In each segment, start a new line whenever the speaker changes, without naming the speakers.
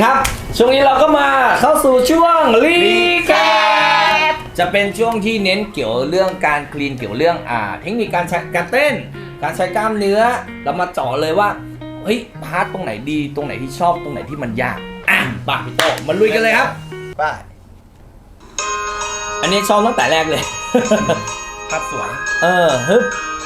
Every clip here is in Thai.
ครับช่วงนี้เราก็มาเข้าสู่ช่วงรีแคปจะเป็นช่วงที่เน้นเกี่ยวเรื่องการคลีนเกี่ยวเรื่องเทคนิคการใช้การเต้นการใช้กล้ามเนื้อเรามาเจาะเลยว่าเฮ้ยพาร์ทตรงไหนดีตรงไหนที่ชอบตรงไหนที่มันยากป่ะพี่โตมาลุยกันเลยครับ
ป้า
อันนี้ชอบตั้งแต่แรกเลย
ภาพสวย
ฮึบ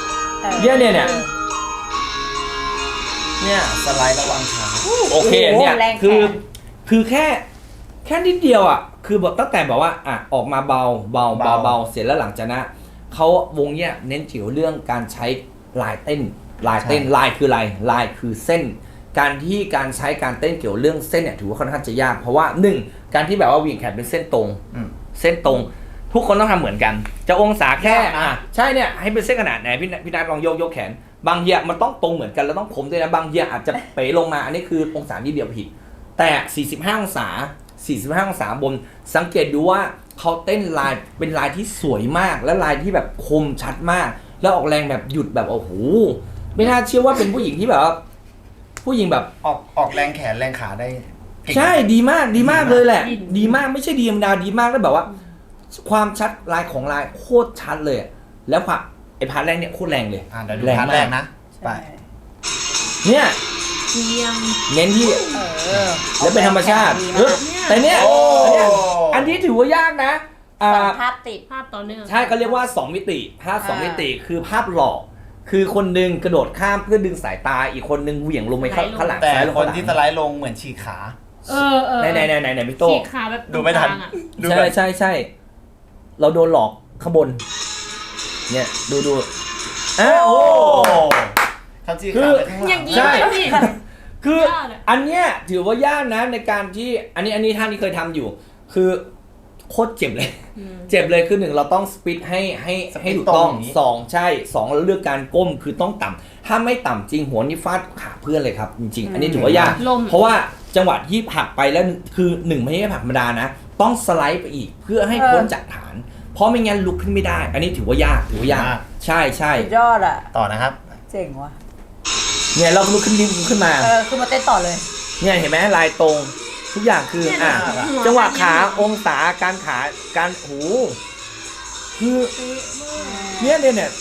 เนี่ยสไลด์ระวังขาโอเคเนี่ยคือแค่นิดเดียวคือแบบตั้งแต่แบบว่าออกมาเบาเสร็จแล้วหลังจากนั้นเขาวงเนี่ยเน้นเกี่ยวเรื่องการใช้ลายเต้นลายคืออะไรลายคือเส้นการใช้การเต้นเกี่ยวเรื่องเส้นเนี่ยถือว่าค่อนข้างจะยากเพราะว่าการที่แบบว่าวิ่งแขนเป็นเส้นตรงทุกคนต้องทำเหมือนกันจะองศาแค่ใช่เนี่ยให้เป็นเส้นขนาดไหนพี่นัทลองยกแขนบางเหยียมันต้องตรงเหมือนกันแล้วต้องคมด้วยนะบางเหยียอาจจะเป๋ลงมาอันนี้คือองศาที่เดียวผิดแต่45องศาบนสังเกตดูว่าเขาเต้นลายเป็นลายที่สวยมากและลายที่แบบคมชัดมากแล้วออกแรงแบบหยุดแบบโอ้โหไม่น่าเชื่อว่าเป็นผู้หญิงที่แบบผู้หญิงแบบ
ออกแรงแขนแรงขาได้
ใช่ดีมากเลยแหละดีมากไม่ใช่ดีธรรมดาดีมากแล้วแบบว่าความชัดลายของลายโคตรชัดเลยแล้วไอ้พาร์ทแรกเนี่ยโคตรแรงเลย
เดี๋ยวดูพาร์ทแรกนะไป
เนี่ยเน้นที่แล้วเป็นธรรมชาติแต่เนี่ยอันนี้ถือว่ายากนะ
ภาพติดภาพต่อเนื่อง
ใช่เขาเรียกว่า2มิติภาพ2มิติคือภาพหลอกคือคนนึงกระโดดข้ามเพื่อดึงสายตาอีกคนนึงเหวี่ยงลงไปข้างหลัง
แต่คนที่สไลด์ลงเหมือนฉีกขา
ไหนพี่โต้
ฉีกขาแบบ
ดูไม่ทัน
ใช่เราโดนหลอกข้างบนเนี่ยดูโอ้
เขาฉีกขาไปข้างหลัง
ใช่คืออันเนี้ยถือว่ายากนะในการที่อันนี้ท่านที่เคยทำอยู่คือโคตรเจ็บเลยคือ1เราต้องสปีดให้ถูกต้อง2ใช่2เราเลือกการก้มคือต้องต่ำถ้าไม่ต่ำจริงหัวนี่ฟาดขาเพื่อนเลยครับจริงๆอันนี้ถือว่ายากเพราะว่าจังหวะที่ผลักไปแล้วคือ1ไม่ใช่ผลักธรรมดานะต้องสไลด์ไปอีกเพื่อให้พ้นจากฐานเพราะไม่งั้นลุกขึ้นไม่ได้อันนี้ถือว่ายากใช่
ยอด
ต่อนะครับ
เจ๋งว่ะ
เนี่ยเราลุกขึ้นมา
คือมาเต้นต่อเลย
เนี่ยเห็นไหมลายตรงทุกอย่างคือจังหวะขาองศาการหูคือเนี่ย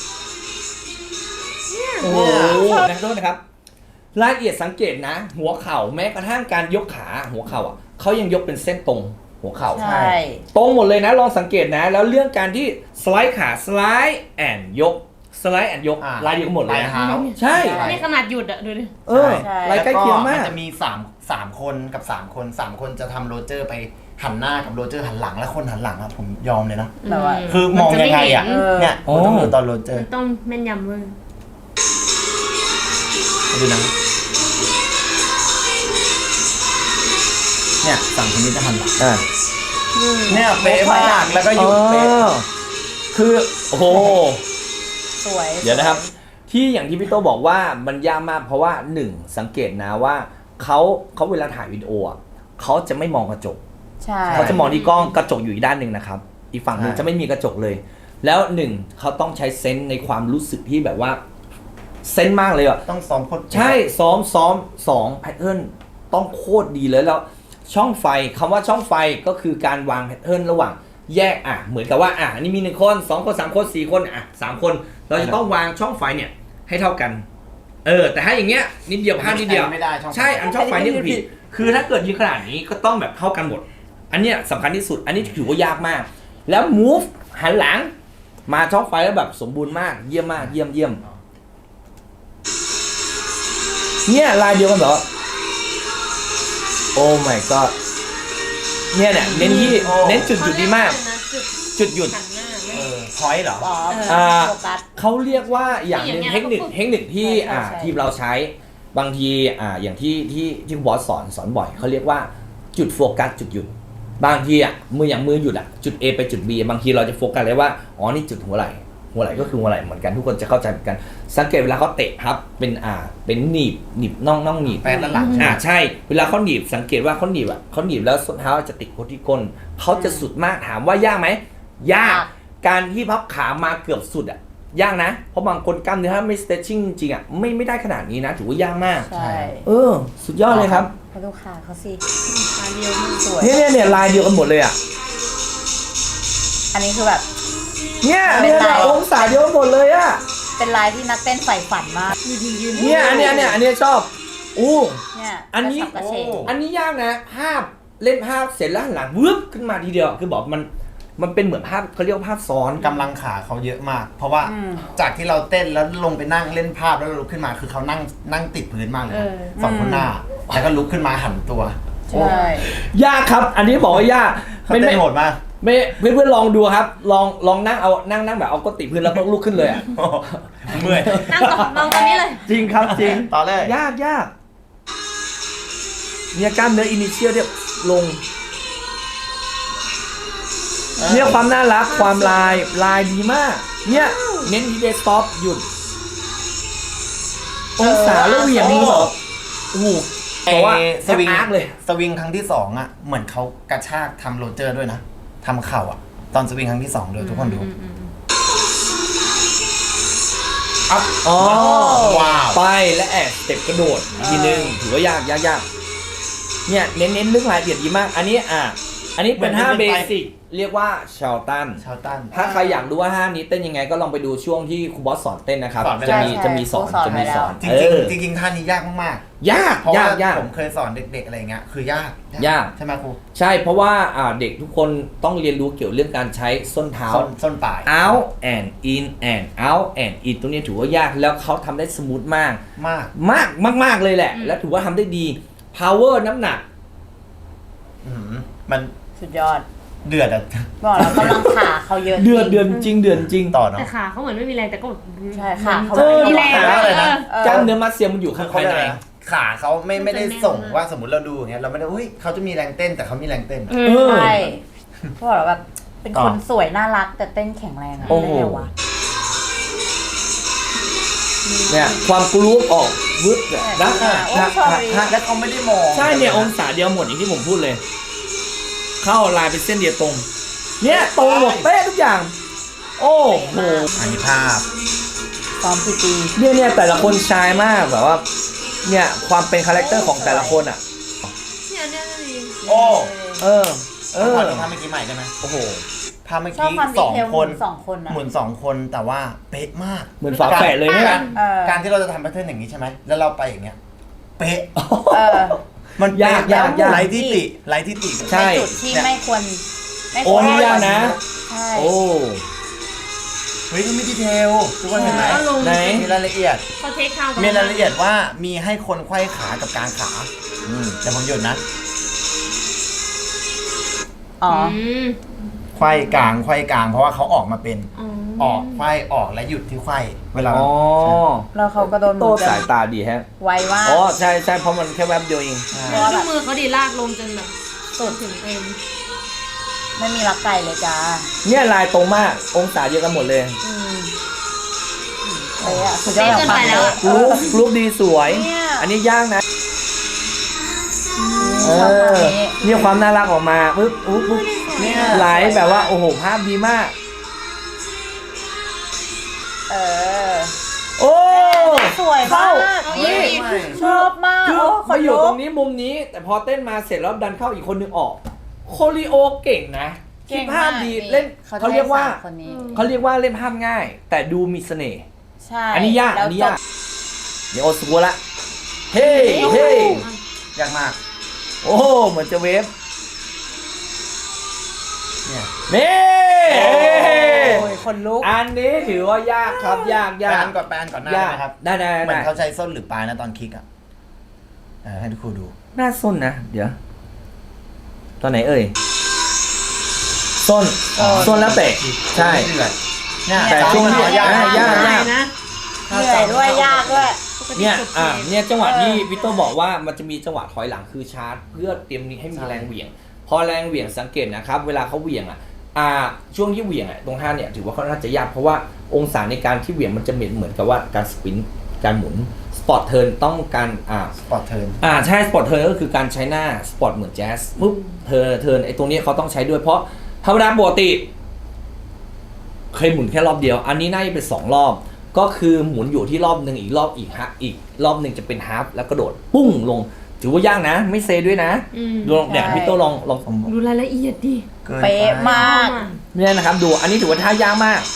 โอ้โหโทษนะครับรายละเอียดสังเกตนะหัวเข่าแม้กระทั่งการยกขาหัวเข่าเขายังยกเป็นเส้นตรงหัวเข่า
ใช่
ตรงหมดเลยนะลองสังเกตนะแล้วเรื่องการที่สไลด์ขาสไลด์แอนยกลายเดียวกันหมดเลยใช่
นี่ขนาดหยุดดูดิ
ลายใกล้เคียงมาก
มันจะมี3คนกับ3คนจะทำโรเจอร์ไปหันหน้ากับโรเจอร์หันหลังและคนหันหลังผมยอมเลยนะคือมองยังไงเนี่ยต้องดูตอนโรเจอร์
ต้องแม่นยำเว้ย
ดูนะเนี่ยสั่งคนนี้จะหันหลังเนี่ยเป๊ะมากแล้วก็หยุดเป๊ะ
คือโอ้โห
สวย
เดี๋ยวนะครับที่อย่างที่พี่โตบอกว่ามันยากมากเพราะว่า1สังเกตนะว่าเขาเวลาถ่ายวิดีโอเขาจะไม่มองกระจกเขาจะมองที่กล้องกระจกอยู่อีกด้านหนึ่งนะครับอีกฝั่งหนึ่งจะไม่มีกระจกเลยแล้วเขาต้องใช้เซนส์ในความรู้สึกที่แบบว่าเซนส์มากเลย
ต้องซ้อมโคตร
ใช่ซ้อมแพทเทิร์นต้องโคตรดีเลยแล้วช่องไฟคำว่าช่องไฟก็คือการวางแพทเทิร์นระหว่างแยกเหมือนกับว่าอันนี้มี1คน2คน3คน4คน3คนเราจะต้องวางช่องไฟเนี่ยให้เท่ากันแต่ถ้าอย่างเงี้ยนิดเดียวพลาดนิดเดียว
ไม่ได้
ใช่อันช่องไฟนี่ผิดคือถ้าเกิดยืนขนาดนี้ก็ต้องแบบเท่ากันหมดอันเนี้ยสำคัญที่สุดอันนี้ถือว่ายากมากแล้ว move หันหลังมาช่องไฟแล้วแบบสมบูรณ์มากเยี่ยมมากเยี่ยมเนี่ยลายเดียวกันเหรอโอ้ my god เนี่ยเน้นที่เน้นจุดดีมากจุดหยุด
พอยต์เหรอ
เขาเรียกว่าอย่างหนึ่งเทคนิคที่ทีมเราใช้บางทีอย่างที่บอสสอนบ่อยเขาเรียกว่าจุดโฟกัสจุดหยุดบางทีมือหยุดจุด A ไปจุด B บางทีเราจะโฟกัสเลยว่านี่จุดหัวไหล่ก็คือหัวไหล่เหมือนกันทุกคนจะเข้าใจเหมือนกันสังเกตเวลาเขาเตะครับเป็นหนีบน่องหนีบ
แปะด้านหลัง
ใช่เวลาเขาหนีบสังเกตว่าเขาหนีบแล้วส้นเท้าจะติดที่ก้นเขาจะสุดมากถามว่ายากไหมยากการที่พับขามาเกือบสุดยากนะเพราะบางคนกล้ามเนื้อถ้าไม่ stretching จริงไม่ได้ขนาดนี้นะถือว่ายากมาก
ใช่
สุดยอดเลยครับ
ไปดูขาเขาสิอันเดียวมันสวย
เนี่ยลายเดียวกันหมดเลยอ่ะ
อันนี้คือแบบ
เนี่ย
เป็นลาย
องศาเดียวกันหมดเลยอ่ะ
เป็นลายที่นักเต้นใฝ่ฝันมากยืน
เนี่ยอันเนี้ยชอบอู้
เนี่ย
อันนี้
กระฉับกระเฉง
อันนี้ยากนะภาพเล่นภาพเสร็จแล้วหันหลังวืบขึ้นมาทีเดียวคือบอกมันเป็นเหมือนภาพเขาเรียกว่าภาพซ้อน
กำลังขาเขาเยอะมาก เพราะว่าจากที่เราเต้นแล้วลงไปนั่งเล่นภาพแล้วลุกขึ้นมาคือเขานั่งติดพื้นมากเลยนะสองคนหน้าแล้วก็ลุกขึ้นมาหันตัว
ใช่
ยากครับ อันนี้บอกว่ายาก
เขาเต้นโหดมาก
ไม่เพื่อนๆลองดูครับ ลองนั่งเอานั่งแบบเอาก้นติดพื้นแล้วก็ลุกขึ้นเลยอ่ะ
เมื่อย
นั่งตรงนี้เลย
จริงครับจริง
ต่อเลย
ยากเนี่ยกล้ามเนื้ออินิเชียลเนี่ยลงเนี่ยความน่ารักความลายดีมาก เนี่ยเน้นดีเดสต็อปหยุดองศาแล้วเหวี่ยงนี่แบบโอ้โหบอกว่า
สวิง
อาร์คเลย
สวิงครั้งที่2อ่ะเหมือนเขากระชากทำโรเจอร์ด้วยนะทำเข่าอ่ะตอนสวิงครั้งที่2เลยทุกคนดูอัพ
อ๋อ
ว้าว
ไปและแอบสเต็ปกระโดดอีกทีนึงถือว่ายากเนี่ยเน้นเรื่องรายละเอียดดีมาก อันนี้เป็นท่าเบสิกเรียกว่าชาลตัน
ชาวตัน
ถ้าใครอยากรู้ว่าท่านี้เต้นยังไงก็ลองไปดูช่วงที่ครูบอสสอนเต้นนะครับ
สอนไป
จะ
แล้ว
มีสอนจะมีสอน
จริง
เออ
ๆจริงๆท่านี้ยากมาก
ยาก
ๆเพราะว่าย
าก
ผมเคยสอนเด็กๆอะไรเงี้ยคือยาก
ยาก
ใช่ไหมครู
ใช่เพราะว่าเด็กทุกคนต้องเรียนรู้เกี่ยวเรื่องการใช้ส้นเท้า
ส้นปลาย
out and in and out and in ตรงนี้ถือว่ายากแล้วเขาทำได้สมูทมาก มากเลยแหละ และถือว่าทำได้ดี power น้ำหนัก
อื้อหือมัน
สุดยอด
เดือดอะ
บอกแล้วกำลังขาเขาเยอะ
เดือนจริง
ต่อเนาะ
แต่ขาเขาเหมือนไม่มีแรงแต่ก็แบบ
ใช่ค่ะเขา
เออ
มีแรง
ขาอะไรนะ
กล้ามเนื้อมัดเซียมมันอยู่ข้าง
เขา
ภาย
เรียก
ใน
อะไรนะขาเขาไม่ได้ส่งว่าสมมติเราดูอย่างเงี้ยเราไม่ได้เฮ้ยเขาจะมีแรงเต้นแต่เขามีแรงเต้น
ใช่เขาบอกแล้วแบบเป็นคนสวยน่ารักแต่เต้นแข็งแรงอะ
โอ้โห
ได้ไงวะ
เนี่ยความกรูฟออกวึบเนี่ยนะ
โอ้ชอบดี
แล้วเขาไม่ได้มอง
ใช่เนี่ยองศาเดียวหมดอย่างที่ผมพูดเลย เข้าลายเป็นเส้นเดียวตรง เนี่ยตรงหมดเป๊ะทุกอย่าง โอ้โห
อันนี้ภาพ
ซ้อมกี่ปี
เนี่ยแต่ละคนชายมากแบบว่า เนี่ยความเป็นคาแรคเตอร์ของแต่ละคนอ่ะ
เนี่ยดี
โอ้
เออ
ขอดูภาพเมื่อกี้ใหม่ได้ไหม
โอ้โห
ภาพเมื่อ
ชอบ
กี้
ความดี
สอง
เทล
คน
สองคนอะ
เหมือน2 คนแต่ว่าเป๊ะมาก
เหมือนฝาแฝดเลยเนี่ย
การที่เราจะทำแพทเทิร์นอย่างนี้ใช่ไหมแล้วเราไปอย่างเงี้ยเป๊ะ
เออ
มัน
ยาก
เป๊ะ
ยาก
ไร้ที่ติไร้ที่ติ
ใช่
ในจุดที่ไม่ควรไม่
โอ้
ควร
นี่ยากนะ
ใช่
โอ้
เฮ้ยมันมีดีเทลทุกคนเห็นไหม
ก็ลง
ไหน
มีรายละเอียด
เขาเทคทาง
มีรายละเอียดว่ามีให้คนไขว้ขากับกางขาแต่ผมหยุดนะ
อ๋อ
ไขว้กางเพราะว่าเขาออกมาเป็นออกไขว้ออกและหยุดที่ไขว้เวลา
อ๋อ
แล้วเขาก็โดน
โตสายตาดีแฮะ
ไวมาก
อ๋อใช่เพราะมันแค่แวบเดียวเอง
แล้วดูมือเขาดีลากลงจนแบบ
สุด
ถึงเอ็น
ไม่มีรักไก่เลยจ้า
เนี่ยลายตรงมากองศาเดียวกันหมดเลย
เป๊ะอะสุดยอดของความเป๊ะ
รูปดีสวย
เนี่ย
อันนี้ยากนะ
ชอบความนี้
เนี่ยความน่ารักออกมาปึ๊บปุ๊บ
เนี่ย
ไหลแบบว่าโอ้โหภาพดีมาก
เออ
โอ้
สวยมาก
นี่
ชอบมาก
คือ
โอ้ข
มาน อยู่
ลุก
ตรงนี้มุมนี้ แต่พอเต้นมาเสร็จแล้วดันเข้าอีกคนนึงออก โคลิโอเก่งนะคิดภาพดีเล่นเขาเรียกว่า
คนนี้
เขาเรียกว่าเล่นภาพง่าย แต่ดูมีเสน่ห์
ใช่
อันนี้ยาก
แล้ว
อันนี้ยากเดี๋ยวโอสกัวละเฮ้
โอ้โห
เฮ้
ยากมาก
โอ้เหมือนจะเวฟ
เนี่ย
นี่
โอ้ยคนลุก
อันนี้ถือว่ายากครับยาก
แปนก่อนหน้าย
าก
นะครับ
ได้
เหมือนเขาใช้ส้นหรือปลายนะตอนคลิกอ่ะให้ทุกคนดู
น่าส้นนะ เดี๋ยว ตอนไหนเอ่ยส้นส้นแล้วเตะใช่
เดือดเนี่ย
แต่ช่วงนี้
ยาก
ยาก
นะ
เหนื่อยด้วยยากด้วย
เนี่ยเนี่ยจังหวะที่วิโต้บอกว่ามันจะมีจังหวะถอยหลังคือชาร์จเพื่อเตรียมนี้ให้มีแรงเหวี่ยง พอแรงเหวี่ยงสังเกตนะครับ เวลาเขาเหวี่ยงช่วงที่เหวี่ยงตรงท่าเนี่ยถือว่าเขาน่าจะยากเพราะว่าองศาในการที่เหวี่ยงมันจะเหมือนกับว่าการสปินการหมุนสปอร์ตเทิร์นต้องการ
สปอร์ตเทิร์น
ใช่สปอร์ตเทิร์นก็คือการใช้หน้าสปอร์ตเหมือนแจ๊สปุ๊บเทิร์นไอ้ตรงนี้เขาต้องใช้ด้วยเพราะธรรมดาปกติเคยหมุนแค่รอบเดียว อันนี้น่าจะเป็น2 รอบ ก็คือหมุนอยู่ที่รอบหนึ่งอีกรอบหนึ่งจะเป็นฮาล์ฟแล้วกระโดดปุ้งลงถือว่ายากนะ ไม่เซด้วยนะ ดูเนี่ยพี่โตลอง
ดูรายละเอียดดิ
เป๊ะมาก
เนี่ยนะครับดูอันนี้ถือว่าท่ายากมาก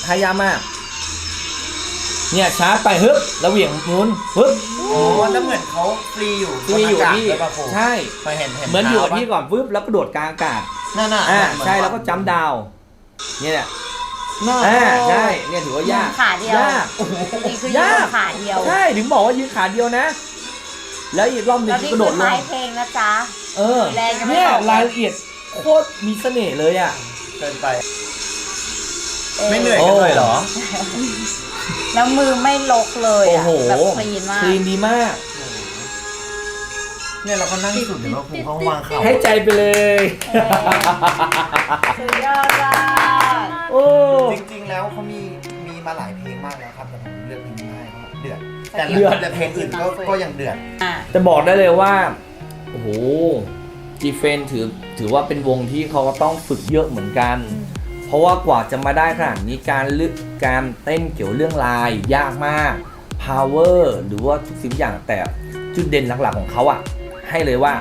เนี่ยชาร์จไปฮึบแล้วเหวี่ยงหมุนฮึบ
อ๋อแล้วเหมือนเขาฟรีอยู่
ที่อยู่ที่
บนอากาศด้วยป่ะครู
ใช่
ไปเห็น
เหมือนอยู่กับที่ก่อนปึ๊บแล้วกระโดดกลางอากาศ
นั่นน่ะ
ใช่แล้วก็จัมป์ดาวน์เนี่ยแหละใช่เนี่ยถือว่ายาก
ขาเดียวย
ากโอ้โห
จริงๆคือยืนขาเดียว
ใช่ถึงบอกว่ายืนขาเดียวนะ แล้วอีกรอบหนึง
แล้วนี่
กระโด
คื
ด
อ
ลง
ท้ายเพลงนะจ๊ะ แรงยังไม่
เนี่ย
ออกเลย
รายละเอียดโคตรมีเสน่ห์เลยอ่ะ
เกินไป ไม่เหนื่อยกันเลยเหรอ
แล้วมือไม่ลกเลย
โอ้
อ่ะ
โห
แบบคลีนมาก
คลีนดีมาก
เนี่ยเราก็นั่งสุดเดี๋ยวเราครูเขาวางเข่า
ให้ใจไปเลย
สุดยอดมาก
โอ้
จริงๆแล้วเขามีมาหลายเพลงมากแล้วครับแต่ผมเลือกเพลงนี้ให้เพราะเดือดแต่เพลงอื่นก็ยังเดือด
จะบอกได้เลยว่าโอ้โหจีเฟนถือว่าเป็นวงที่เขาก็ต้องฝึกเยอะเหมือนกัน เพราะว่ากว่าจะมาได้ขนาดนี้การเต้นเกี่ยวเรื่องลายยากมาก power หรือว่าทุกสิ่งอย่างแต่จุดเด่นหลักๆของเขาอ่ะให้เลยว่า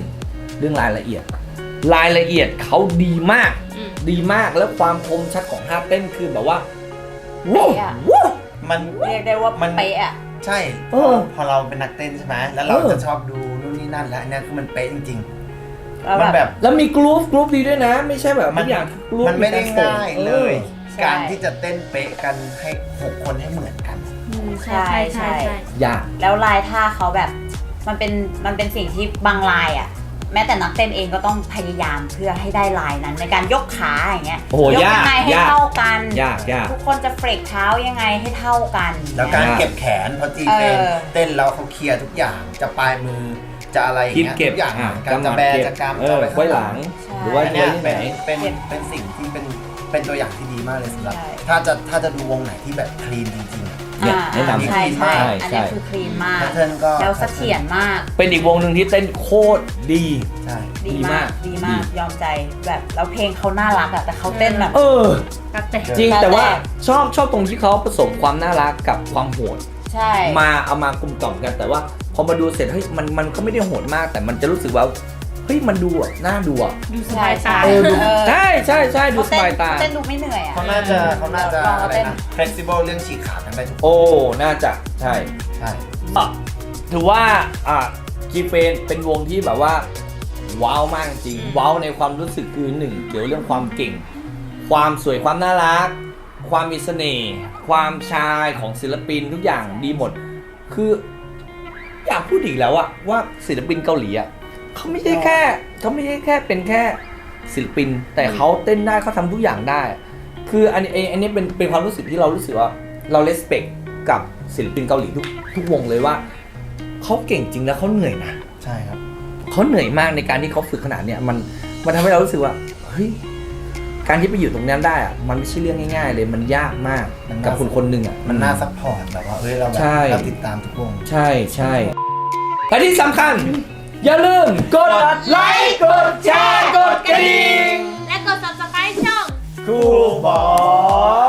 1. เรื่องรายละเอียดเขาดีมากแล้วความคมชัดของท่าเต้นคือแบบว่าว้าวว้าว
มัน
เรียกได้ว่าเป๊ะอ่ะ
ใช่พอเราเป็นนักเต้นใช่ไหมแล้วเราจะชอบดูนู่นนี่นั่นแล้วอันนี้คือมันเป๊ะจริงๆมันแบบ
แล้วมีกรุ๊ปดีด้วยนะ ไม่ใช่แบบทุกอย่างกรุ๊ป
มันไม่ได้ง่ายเลย
ใช่
การที่จะเต้นเป๊ะกันให้6คนให้เหมือนกัน
ใช่ใช่
ยาก
แล้วลายท่าเขาแบบมันเป็นสิ่งที่บางลายอ่ะ แม้แต่นักเต้นเองก็ต้องพยายามเพื่อให้ได้ลายนั้นในการยกขาอย่างเงี้ย
โอ้โห
ยกยังไงให้เท่ากัน
ยาก
ทุกคนจะเฟรกเท้ายังไงให้เท่ากัน
แล้วการเก็บแขนพอจีเป็นเต้นแล้วเขาเคลียร์ทุกอย่างจะปลายมือจะอะไรอย่าง
คิด
เงี้ย
เก็บ
ทุกอย่างการจะแบจะกำจะไป
ไว้หลัง หรือว่า
อัน
ไว้
เนี้ย
ที่ไหน
เป็นสิ่งที่เป็นตัวอย่างที่ดีมากเลยสำหรับ
ใช่
ถ้าจะดูวงไหนที่แบบคลีนจริงๆอะ
เนี่ยแนะนำ
ใช่
ใช่
อันนี้คือคลีนมาก
แพทเทิร์นก็
แล้วเสถียรมาก
เป็นอีกวงหนึ่งที่เต้นโคตรดี
ใช่
ดีมากยอมใจแบบแล้วเพลงเขาน่ารักอ่ะแต่เขาเต้นแบบ
กัดแต่
จริง
แต่
แต่ว่าชอบตรงที่เขาผสมความน่ารักกับความโหด
ใช่
เอามากลมกล่อมกันแต่ว่าพอมาดูเสร็จเฮ้ยมันก็ไม่ได้โหดมาก แต่มันจะรู้สึกว่าเฮ้ยมันดูอ่ะน่าดูอ่ะ
ดูสบายตา
ใช่ดูสบายตา
เต้นดูไม่เหนื่อยอ่ะ
เขาน่าจะ
ลอง
อะไร
เต้น
นะ flexible เรื่องฉีกขากันได้ทุก
โอ้น่าจะใช่
ใช่
ถือว่าจีเฟนเป็นวงที่แบบว่าว้าวมากจริงว้าวในความรู้สึกคือหนึ่งเกี่ยวเรื่องความเก่ง ความสวยความน่ารัก ความมีเสน่ห์ความชายของศิลปินทุกอย่างดีหมด คืออยากพูดอีกแล้วอะว่าศิลปินเกาหลีอะเขาไม่ใช่แค่เป็นแค่ศิลปิน แต่เขาเต้นได้เขาทำทุกอย่างได้ คืออันนี้เป็นความรู้สึกที่เรารู้สึกว่าเราเลสเปคกับศิลปินเกาหลีทุกวงเลยว่าเขาเก่งจริงแล้วเขาเหนื่อยนะ
ใช่ครับ
เขาเหนื่อยมากในการที่เขาฝึกขนาดเนี้ยมันทำให้เรารู้สึกว่าเฮ้ยการที่ไปอยู่ตรงนั้นได้อะมันไม่ใช่เรื่องง่ายๆเลยมันยากมากกับคนหนึ่งอะ
มันน่าซัพพอร์ตแบบว่าเฮ้ยเราแบบ
ใช่
เราติดตามทุกวง
ใช่และที่สำคัญ อย่าลืมกดไลค์กดแชร์กดกระดิ่ง
และกด subscribe ช่อง
Cool Boy